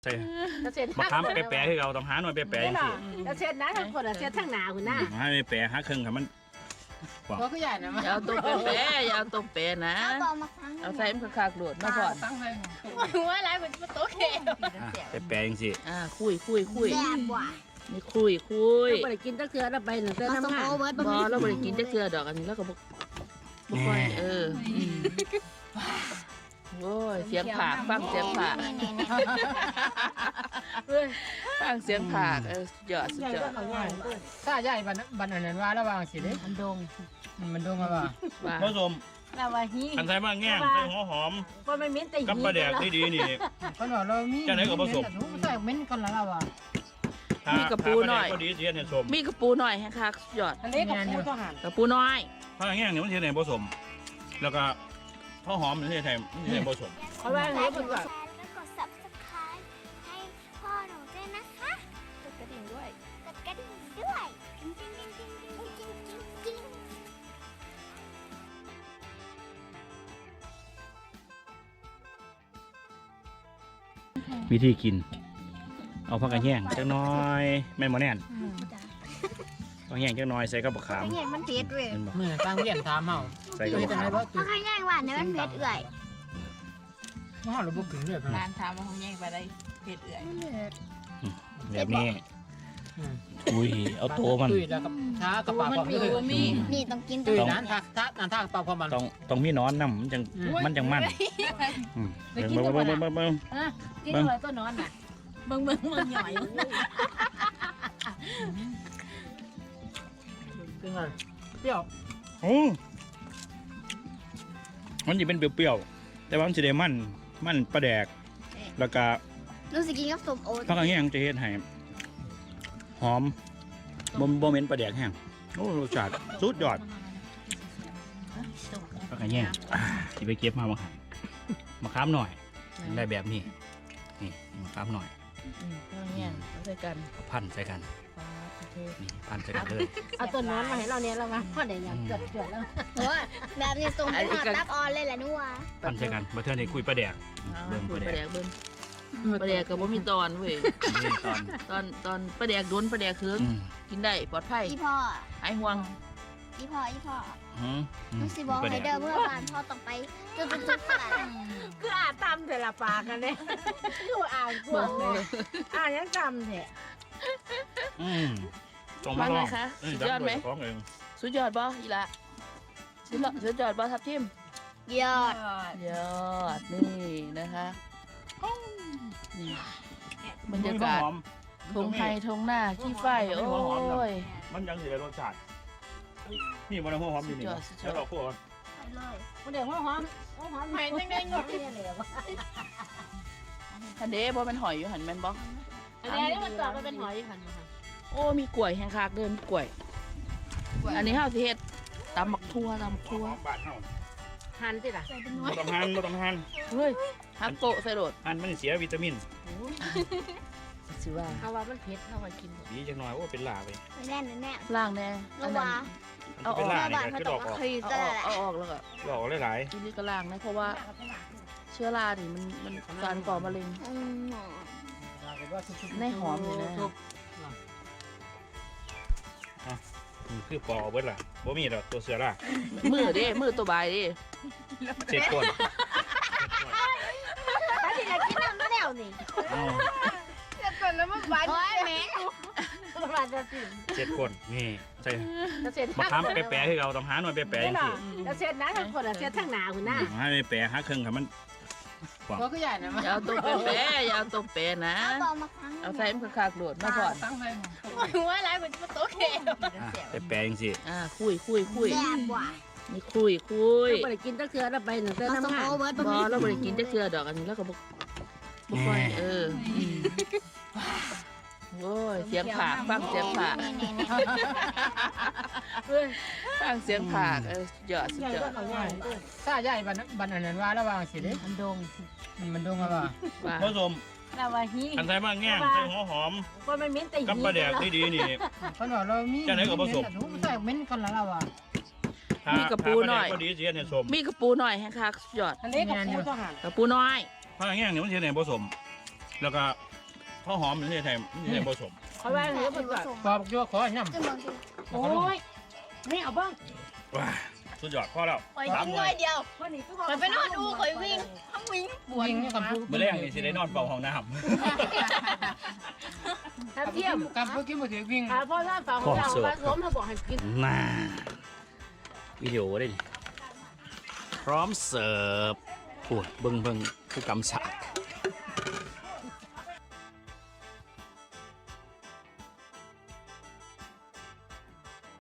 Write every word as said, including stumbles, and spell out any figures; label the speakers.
Speaker 1: ใช่มะขามแปะๆให้เราต้องหาหน่อยแปะๆอย่างนี้
Speaker 2: แล้วเช็ดนะทั้งคนเช็ดทั้งหนาคุณหน้า
Speaker 1: ให้แปะหาเครื่องค่ะมัน
Speaker 3: ก็คือใหญ่นะ
Speaker 4: อย่าเอาตัวแปะอย่าเอาตัวแปะนะเอาใส่มันคักๆโดดมาก่อน
Speaker 2: ว่าอะไรมันโต๊ะเกล
Speaker 1: แปะๆอย่างสิ
Speaker 4: อ่าคุยคุยคุยนี่คุยคุย
Speaker 2: เราไปกินตะเกียบเราไปหนึ่งเส้นน้ำมัน
Speaker 4: บอเราไปกินตะเกียบดอกอันนี้แล้วก็บอกบอกไปเออโอ้ยเสียงผากฟังเสียงผากฟังเสียงผากเออสุดยอดสุดยอด
Speaker 3: ถ้าใหญ่บันบันอันนั้นว่าระวังสิเด้
Speaker 2: มันดง
Speaker 3: มันดงว่า
Speaker 1: ผสม
Speaker 2: เราว่าฮี
Speaker 1: อันใส่บ้างแง่งใส่หัวหอม
Speaker 2: ก็ไม่เหม็นแต่
Speaker 1: กับปลาแดกที่ดีนี่
Speaker 3: คนว่าเรามี
Speaker 1: จะไหนก็ผสม
Speaker 3: ใส่เหม็นกันแล้วว่า
Speaker 4: มีกระปูหน่อย
Speaker 1: ก็ดีเทียนเนี่ยสม
Speaker 4: มีกระปูหน่อยฮะค่ะสุดยอด
Speaker 2: อันนี้กระปูต้องหั่น
Speaker 4: กระปูน้อย
Speaker 1: ถ้าแง่งเนี่ยมันเทียนเนี่ยผสมแล้วก็ข้าวหอมมันเทียนไทยมันเทียนผสม
Speaker 2: เพราะว่าอันนี้เป็นแบบ
Speaker 5: แล้วกด ซับสไครบ์ ให้พ่อหนูด้วยนะคะกดกระดิ่งด้วยกดกระดิ่งด้วยจริงจริงจริงจริงจริงจริงจริง
Speaker 1: วิธีกินเอาผักกระแยงจังน้อยแม่นบ่แน่นผักกระแยงจังน้อยใส่กับบักขาม
Speaker 5: เนี่ยมันเผ็ดเลย
Speaker 3: เมื่อตั้งเรียนถามเฮา
Speaker 1: ใส่กับบักขาม
Speaker 5: เพราะข้างแยงหวานเนี่ยมันเผ็ดเอื่อย
Speaker 3: เฮาเราบ่กินเลย
Speaker 4: ร้านถามว่าเขาแย่งไปได้เผ็ดเอื่อย
Speaker 1: แบบนี้อุ้ยเอาโตมัน
Speaker 3: ตุ้ยแล้วกับช้ากระเป๋าของ
Speaker 5: นี่นี่ต้องกิน
Speaker 3: ตุ้ยนั้นถ้าถ้าถ้าถ้ากระเป๋าของมัน
Speaker 1: ต้องต้องมีนอนน้ำมันจังมันจังมัน
Speaker 2: ไปกินตัวมันอ่ะกินตัวตัวนอนน่ะเบิ่งเบิ่งมันหน่อย
Speaker 3: เป็นไงเปรี้ยว
Speaker 1: โอ้มันจะเป็นเปรี้ยวๆแต่ว่ามันจะได้มันมันปลาแดกแล้วก็
Speaker 5: รู้สึกกินกับส้มโอ๊ต
Speaker 1: ผักกระแยงจะเฮ็ดให้หอมบ่บ่เหม็นปลาแดกแห้งโอ้รสชาติสุดยอดผักกระแยงที่ไปเก็บมามาครับมะขามหน่อยได้แบบนี้นี่มะขามหน่อย
Speaker 4: เนี่ยใส่กัน
Speaker 1: พันใส่กันนี่พันใส่กันเลย
Speaker 2: เอาตัวนอนมาให้เราเนี่ยเรามาพอได้ยังเกิดเกิดแล้ว
Speaker 5: โอ้แบบนี้ส่งไปทอดตับออนเลยแหละนัว
Speaker 1: พันใส่กันมาเทื่อนี้คุยปลาแดก
Speaker 4: เบิ่งปลาแดกเบิ่งปลาแดกก็บ่มีตอนเว้ยตอนตอนตอนปลาแดกโดนปลาแดกคืนกินได้ปลอดภัย
Speaker 5: อีพ่อ
Speaker 4: ไอ้ห่วง
Speaker 5: อีพ่ออีพ่อลูกสิบอกให้เดินเมื่อวานพ่อต้องไปจุดจุดจุด
Speaker 2: คืออ่านตำแต่ละปากกันเลยคืออ่านกวงเลยอ่านยังจำเนี่ย
Speaker 1: อืมตรงมาลอง
Speaker 4: สุดยอดไหมสุดยอดบ่อีละสุดยอดสุดยอดบ่ทับทิม
Speaker 5: ยอด
Speaker 4: ยอดนี่นะคะนี่บรรยากาศทงไทยทงหน้าขี้ไฟโอ้ย
Speaker 1: มันยังอยู่ในรสชาตินี่มันหัวหอมอยู่นี่แล้วเราพูดกัน
Speaker 2: มันเดี๋ยวหัวหอมหัวหอมหายได้ไงงดเนี่ยเลยวะ
Speaker 4: ทันเดบ่เป็นหอยอยู่หันแม่นบ่
Speaker 2: อันนี้มันต่อไปเป็นหอยหันมา
Speaker 4: โอ้มีกล้วยแห้งคากเดินกล้วยอันนี้เฮาสิเฮ็ดตำบักทั่วตำบักทั่ว
Speaker 2: หั่นสิล่ะ
Speaker 1: บ่ต้องหั่นบ่ต้องหั่น
Speaker 4: เฮ้ยหั่นโปะใส่โดด
Speaker 1: หั่นมันเสียวิตามิน
Speaker 4: สิว่า
Speaker 2: เอาว่ามันเผ็ดเอาไว้กิน
Speaker 1: ดีจังหน่อยโอ้เป็นลาไป
Speaker 5: แน่นแน่
Speaker 4: ล่างแน่
Speaker 5: อันนั้น
Speaker 1: เอาออกคือดอกออก
Speaker 4: เอาออกแล้วก็
Speaker 1: ดอกหลาย
Speaker 4: ๆทีนี้ก็ล่างนะเพราะว่าเชื้อรานี่มันมันการก่อมะเร็งในหอมเลยนะ
Speaker 1: คือปอเบิดล่ะบ่มีดอกตัวเสือล่ะ
Speaker 4: มือดิมือตัวใบดิ
Speaker 1: เจ็ดคน
Speaker 5: ป้าที่จะกินน้ำแล้วนี่
Speaker 2: เจ็ดคนแล้วมันหวาน
Speaker 5: โอ้ยแม่
Speaker 2: หวานจะสิ
Speaker 1: เจ็ดคนนี่ใช่มะขามแปะๆให้เราต้องหาหน่อยแปะๆอย่างนี้
Speaker 2: แล้วเช็ดนะทั้งคนเช็ดทั้งหนาคุณหน้า
Speaker 1: ให้แปะหาเครื่องค่ะมัน
Speaker 3: ก็คือใหญ่นะ
Speaker 4: อย่าเอาตัวแปะอย่าเอาตัวแปะนะเอาใส่มันคักๆโดดมาก่อน
Speaker 2: ว่าอะไรมันโต๊ะเกล
Speaker 1: แปะๆอย่างสิ
Speaker 4: อ่าคุยคุยคุยนี่คุยคุย
Speaker 2: เราไปกินตะเกียบเราไปหนึ่งเส้นน้ำมัน
Speaker 4: บอเราไปกินตะเกียบดอกอันนี้แล้วก็บอกบอกไปเออโอ้ยเสียงผากฟังเสียงผากฟังเสียงผากเออหยอดสุดยอด
Speaker 3: ถ้าใหญ่บันบันอันนั้นว่าระวังสิเด้
Speaker 2: มันดง
Speaker 3: มันดงว่า
Speaker 1: ผสม
Speaker 2: เราว่าฮี
Speaker 1: อันใส่บ้างแง่งใส่หัวหอม
Speaker 2: ก็ไม่เหม็นแต่
Speaker 1: กับปลาแดกที่ดีนี่
Speaker 3: คนว่าเรามี
Speaker 1: จะไหนก็ผสม
Speaker 3: ใส่เหม็นกันแล้วว่า
Speaker 4: มีกระปูหน่อย
Speaker 1: ก็ดีเสียเนี่ยสม
Speaker 4: มีกระปูหน่อยแห้งคักหยอด
Speaker 2: อันนี้กระปูต้องหั่น
Speaker 4: กระปูน้อย
Speaker 1: ผักกระแยงเนี่ยมันเสียเนี่ยผสมแล้วก็ข้าวหอมมันนี่ไทยนี่ไทยผสม
Speaker 2: เขาว่าเนื้อเป็นแบบ
Speaker 3: ปอบยั่วขอน้ำ
Speaker 5: จะมองสิ
Speaker 2: โอ้ยนี่เอาบ้าง
Speaker 1: ว้าสุดยอดพอแล้ว
Speaker 4: คอยกินน้อยเดียว
Speaker 2: วันนี้ก็
Speaker 4: คอยไปนอนดูคอยวิ่งทั้งวิ่งปวด
Speaker 3: วิ่งนี่กับผู้
Speaker 1: เมื่อแรกนี่สิได้นอนเป่าห้องน้
Speaker 2: ถ้าเทียม
Speaker 3: กับผู้กินมือถือวิ่ง
Speaker 2: หาพ่อท่านฟังของเราว่าล้มเขาบอกให้กิน
Speaker 1: ำน่าวิดีโอได้ดิพร้อมเสิร์ฟโอ้ยเบิ่งเบิ่งผู้กำสา